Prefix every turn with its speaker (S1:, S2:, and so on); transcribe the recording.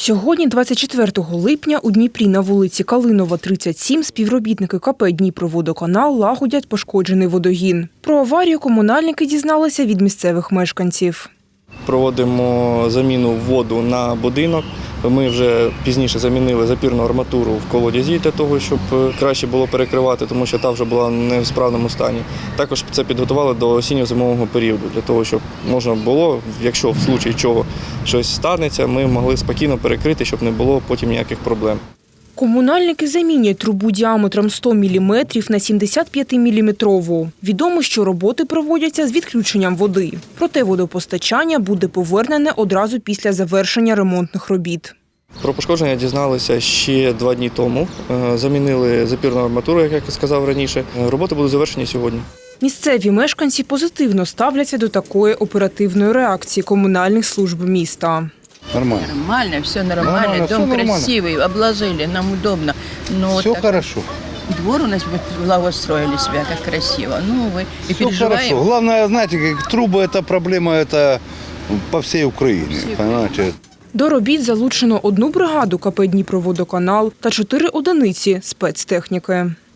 S1: Сьогодні, 24 липня, у Дніпрі на вулиці Калинова, 37, співробітники КП «Дніпроводоканал» лагодять пошкоджений водогін. Про аварію комунальники дізналися від місцевих мешканців.
S2: Проводимо заміну воду на будинок. Ми вже пізніше замінили запірну арматуру в колодязі для того, щоб краще було перекривати, тому що та вже була не в справному стані. Також це підготували до осінньо-зимового періоду, для того, щоб можна було, якщо в случаї чого щось станеться, ми могли спокійно перекрити, щоб не було потім ніяких проблем.
S1: Комунальники замінять трубу діаметром 100 мм на 75-мм. Відомо, що роботи проводяться з відключенням води. Проте водопостачання буде повернене одразу після завершення ремонтних робіт.
S2: Про пошкодження дізналися ще 2 дні тому. Замінили запірну арматуру, як я сказав раніше. Роботи будуть завершені сьогодні.
S1: Місцеві мешканці позитивно ставляться до такої оперативної реакції комунальних служб міста.
S3: Нормально.
S4: Нормально, все нормально. Дом красивый, обложили, нам удобно. Но
S3: Все
S4: так
S3: хорошо.
S4: Двор у нас благоустроили себя, как красиво. Ну, вы и
S3: Все
S4: переживаем.
S3: хорошо. Главное, знаете, как трубы – это проблема это по всей Украине. Понимаете?
S1: До робіт залучено 1 бригаду КП «Дніпроводоканал» та 4 одиниці спецтехніки.